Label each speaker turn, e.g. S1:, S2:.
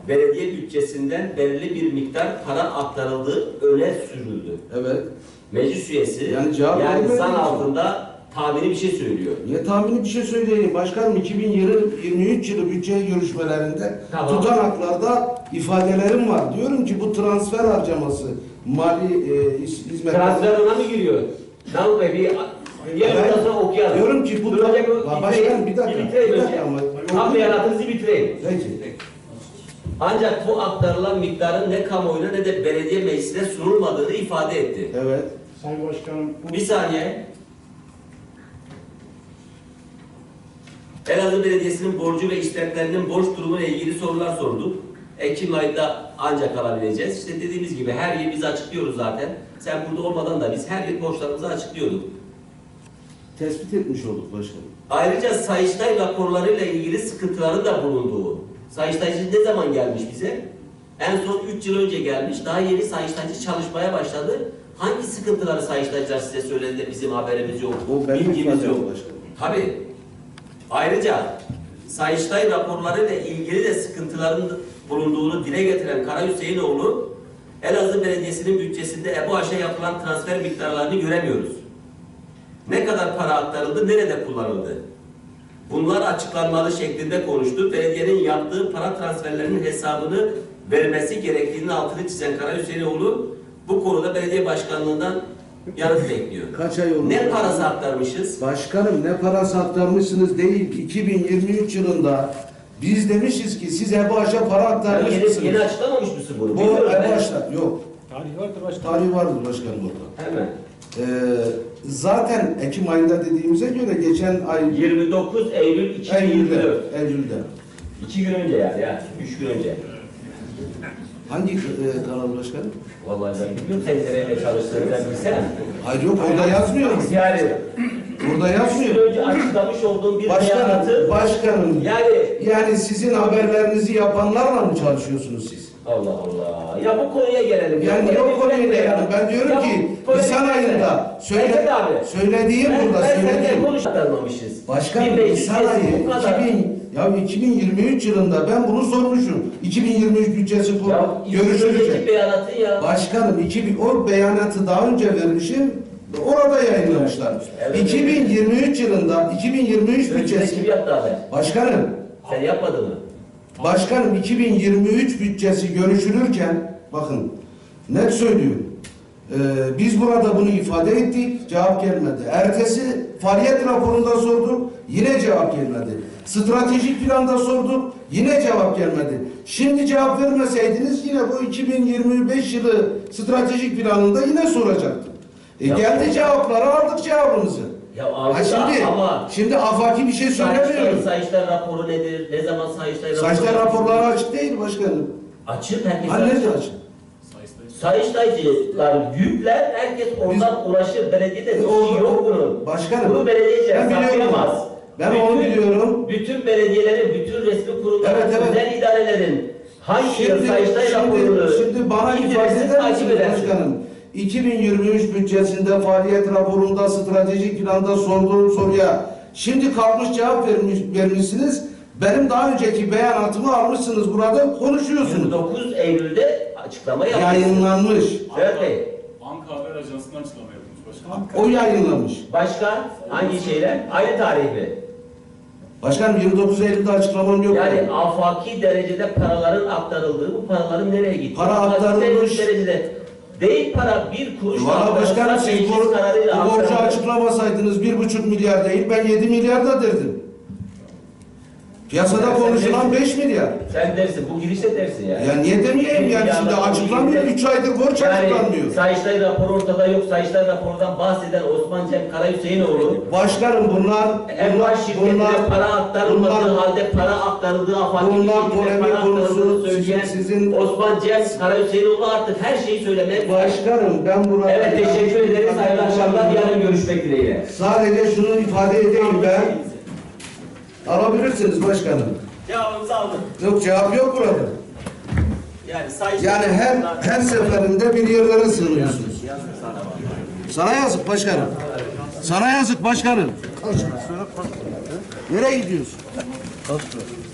S1: belediye bütçesinden belirli bir miktar para aktarıldığı öne sürüldü.
S2: Evet.
S1: Meclis üyesi
S2: Yani cevap
S1: zan altında tahmini bir şey söylüyor.
S2: Niye tahmini bir şey söyleyeyim? Başkanım 2023 yılı bütçe görüşmelerinde tutanaklarda ifadelerim var. Diyorum ki bu transfer harcaması mali hizmetler...
S1: Transfer ona mı giriyor? Davut Bey bir yarın sonra okuyalım.
S2: Diyorum ki bu... Başkanım bir dakika ama...
S1: Tam beyanatınızı bitireyim.
S2: Peki.
S1: Ancak bu aktarılan miktarın ne kamuoyuna ne de belediye meclisine sunulmadığını ifade etti.
S2: Evet.
S3: Sayın Başkanım...
S1: Bir saniye. Elazığ Belediyesi'nin borcu ve işletmelerinin borç durumuyla ilgili sorular sorduk. Ekim ayında ancak alabileceğiz. İşte dediğimiz gibi her yıl biz açıklıyoruz zaten. Sen burada olmadan da biz her yıl borçlarımızı açıklıyorduk.
S2: Tespit etmiş olduk başkanım.
S1: Ayrıca Sayıştay raporlarıyla ilgili sıkıntıların da bulunduğu. Sayıştaycı ne zaman gelmiş bize? En son 3 yıl önce gelmiş. Daha yeni Sayıştaycı çalışmaya başladı. Hangi sıkıntıları Sayıştaycılar size söyledi de bizim haberimiz yok, bilgimiz yok? Tabii. Ayrıca Sayıştay raporlarıyla ilgili de sıkıntıların bulunduğunu dile getiren Kara Hüseyinoğlu, Elazığ Belediyesi'nin bütçesinde EBOH'a yapılan transfer miktarlarını göremiyoruz. Ne kadar para aktarıldı, nerede kullanıldı? Bunlar açıklanmalı şeklinde konuştu. Belediyenin yaptığı para transferlerinin hesabını vermesi gerektiğini altını çizen Kara Hüseyinoğlu, bu konuda belediye başkanlığından yanıt bekliyor.
S2: Kaç ay oldu?
S1: Ne parası aktarmışız?
S2: Başkanım ne parası aktarmışsınız değil. 2023 yılında biz demişiz ki siz EBOH'a para aktarmışsınız.
S1: Yeni açıklamamış mısın bunu?
S2: Bu EBOH'ta yok.
S3: Tarih vardır başkanım.
S2: Tarih vardır başkanım orada.
S1: Hemen.
S2: Zaten Ekim ayında dediğimize göre geçen ay
S1: 29 Eylül 2024.
S2: Eylül'de.
S1: 2 gün önce yani ya. 3 gün önce.
S2: Hangi kanal başkanım?
S1: Vallahi ben bilmiyorum sen nereyle çalıştığını ben bilsem.
S2: Hayır yok orada yazmıyor.
S1: Yani
S2: Burada
S1: 3
S2: yazmıyor.
S1: gün önce açıklamış olduğum bir beyanatı.
S2: Başkanım.
S1: Yani
S2: sizin haberlerinizi yapanlarla mı çalışıyorsunuz siz?
S1: Allah Allah. Ya bu konuya gelelim.
S2: Yani niye o konuya gelelim? Ben diyorum ki Nisan ayında söylediğim burada söylediğim.
S1: Konuşmamışız.
S2: Başkanım Nisan ayı 2023 yılında ben bunu sormuşum. 2023 bütçesi görüşülecek. Başkanım o beyanatı daha önce vermişim. Orada yayınlamışlar. Evet, 2023 yılında 2023 bütçesi.
S1: Kim yaptı abi?
S2: Başkanım.
S1: Sen yapmadın mı?
S2: Başkanım 2023 bütçesi görüşülürken bakın net söylüyorum. Biz burada bunu ifade ettik. Cevap gelmedi. Ertesi faaliyet raporunda sorduk. Yine cevap gelmedi. Stratejik planda sorduk. Yine cevap gelmedi. Şimdi cevap vermeseydiniz yine bu 2025 yılı stratejik planında yine soracaktım. Geldi cevapları aldık cevabımızı.
S1: Ya aldık
S2: şimdi afaki bir şey söylemiyorum.
S1: Sayıştay raporu nedir? Ne zaman Sayıştay raporu?
S2: Sayıştay raporları açık değil başkanım.
S1: Açık, herkes
S2: açık.
S1: Sayıştaycılar yükler, herkes oradan ulaşır. Belediyede bir şey yok bunun.
S2: Başkanım.
S1: Bunu belediye saklayamaz.
S2: Ben onu biliyorum.
S1: Bütün belediyelerin, bütün resmi kurumların, özel idarelerin hangi Sayıştay raporunu
S2: şimdi bana ifade eder misiniz başkanım? 2023 bütçesinde faaliyet raporunda stratejik planda sorduğum soruya şimdi kalkmış cevap vermişsiniz. Benim daha önceki beyanatımı almışsınız burada konuşuyorsunuz.
S1: 29 Eylül'de açıklama yapmışsınız.
S2: Yayınlanmış.
S1: Evet Bey.
S4: Banka Haber Ajansı'ndan açıklama yapılmış başkanım.
S2: O yayınlamış.
S1: Başka hangi şeyler? Aynı tarih mi?
S2: Başkanım 29 Eylül'de açıklamam yok.
S1: Yani afaki derecede paraların aktarıldığı, bu paraların nereye gittiği?
S2: Para aktarılmış.
S1: Derecede değil para bir kuruş.
S2: Valla başkanım siz bu borcu açıklamasaydınız 1,5 milyar değil ben 7 milyar da derdim. Piyasada konuşulan 5 milyar.
S1: Sen dersin, bu girişte dersin yani.
S2: Ya niye demeyeyim yani şimdi açıklanmıyor, 3 aydır borç açıklanmıyor.
S1: Sayıştay raporu ortada yok, Sayıştay raporundan bahseden Osman Cem Kara Hüseyinoğlu.
S2: Başkanım bunlar
S1: para aktarılmadığı halde para aktarıldığı afaki para aktarıldığını söyleyen Osman Cem Kara Hüseyinoğlu artık her şeyi söylemeye
S2: başkanım ben buna...
S1: Evet teşekkür ederiz, hayırlı akşamlar, yarın görüşmek dileğiyle.
S2: Sadece şunu ifade edeyim ben. Alabilirsiniz başkanım.
S1: Cevabımızı aldık.
S2: Yok cevap yok burada. Yani her seferinde bir yerlere sığınıyorsunuz. Sana yazık başkanım. Sana yazık başkanım. Nereye gidiyorsun?